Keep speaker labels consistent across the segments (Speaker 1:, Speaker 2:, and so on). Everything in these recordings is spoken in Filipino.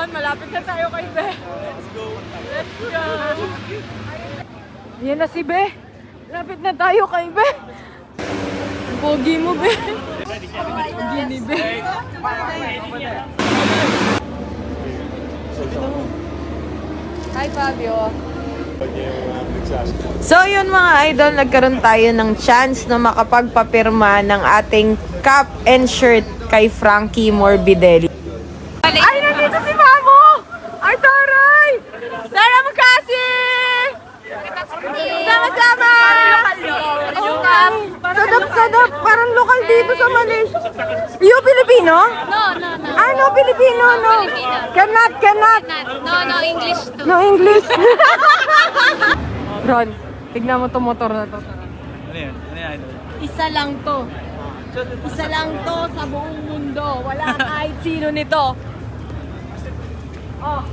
Speaker 1: Ron, malapit na tayo kay Be. Let's go. Yan na si Be. Lapit na tayo kay Be. Pogi mo, Be. Pogi ni Be. Hi, Fabio. So yun mga idol, nagkaroon tayo ng chance na makapagpapirma ng ating cap and shirt kay Frankie Morbidelli. Ay, nandito si Mamo! Ay, taray! Tara mo kasi! Sama-sama! Sadap-sadap! Parang lokal dito sa Malaysia. You Filipino?
Speaker 2: No.
Speaker 1: Ano Filipino? No. Cannot.
Speaker 2: No, English too.
Speaker 1: No English. Ron, tignan mo to motor na to.
Speaker 3: Ano yan?
Speaker 1: Isa lang to. Isa lang to sa buong mundo. Wala kahit sino nito. Oh.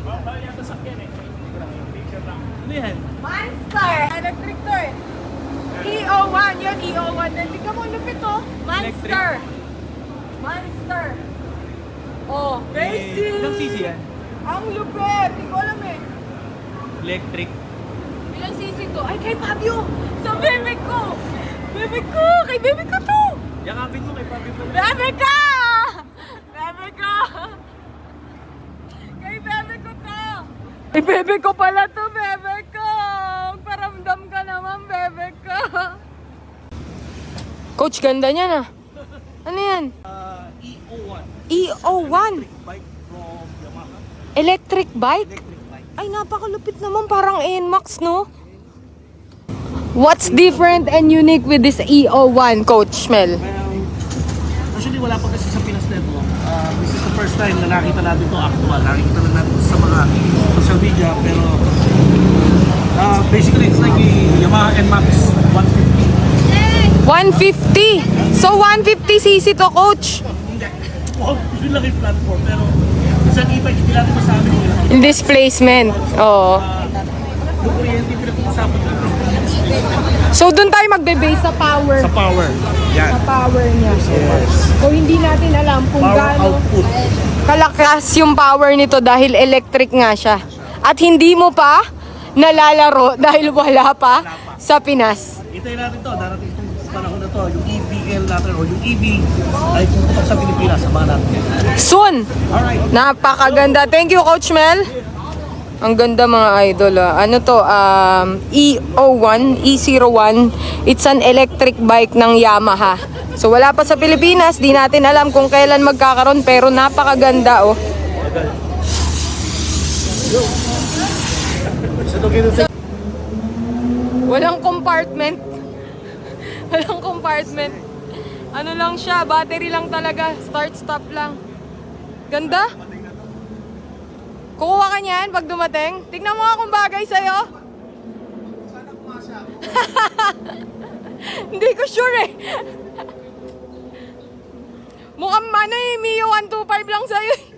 Speaker 3: Ano yan?
Speaker 1: Monster! Electric to eh. EO1, yun EO1. Tignan mo, lupit to. Monster. Monster. Oh, basic.
Speaker 3: Ilang cc yan?
Speaker 1: Ang lupit. Hindi ko alam eh.
Speaker 3: Electric.
Speaker 1: Ilang cc to? Ay, kay Fabio! Sa bebe ko! Bebe ko! Kay bebe ko to!
Speaker 3: Yakapin mo kay Papi pala.
Speaker 1: Bebe ko! Bebe ko! Kay bebe ko to! Kay bebe ko pala to, bebe ko! Paramdam ka naman, bebe ko! Coach, ganda niya na. Ano yan?
Speaker 3: EO1.
Speaker 1: EO1?
Speaker 3: Bike from Yamaha.
Speaker 1: Electric bike?
Speaker 3: Electric bike.
Speaker 1: Ay, napakalupit naman. Parang NMAX, no? What's different and unique with this EO1, Coach Mel?
Speaker 3: Well, actually wala pa kasi sa Pinas nito. This is the first time na nakita natin ito actual. Nakikita lang natin sa mga social media. Pero basically it's like a Yamaha NMAX 150.
Speaker 1: 150! So, 150cc to, Coach?
Speaker 3: Hindi. Wow, yun lang yung platform. Pero sa e-bike, hindi natin masabi kung ilang.
Speaker 1: Displacement. Oo.
Speaker 3: Yung kuryente, pinag-uusapan natin.
Speaker 1: So, dun tayo magbe-base sa power.
Speaker 3: Sa power. Yan.
Speaker 1: Sa power niya.
Speaker 3: Yes.
Speaker 1: So, hindi natin alam kung
Speaker 3: Power
Speaker 1: gaano
Speaker 3: output.
Speaker 1: kalakas yung power nito dahil electric nga siya. At hindi mo pa nalalaro dahil wala pa sa Pinas.
Speaker 3: Hintayin natin to. Darating itong panahon na to. Yung EVL natin o yung EV ay puputok sa Pilipinas. Samahan natin.
Speaker 1: Soon!
Speaker 3: Alright.
Speaker 1: Napakaganda. Thank you, Coach Mel. Ang ganda mga idol. Ano to? EO1, E01. It's an electric bike ng Yamaha. So wala pa sa Pilipinas. Di natin alam kung kailan magkakaroon. Pero napakaganda, oh. Walang compartment. Walang compartment. Ano lang siya, battery lang talaga. Start-stop lang. Ganda? Kukuha ka niyan pag dumating? Tignan mo nga kung bagay sa'yo. Hindi ko sure eh. Mukhang ano eh, Mio 125 lang sa'yo eh.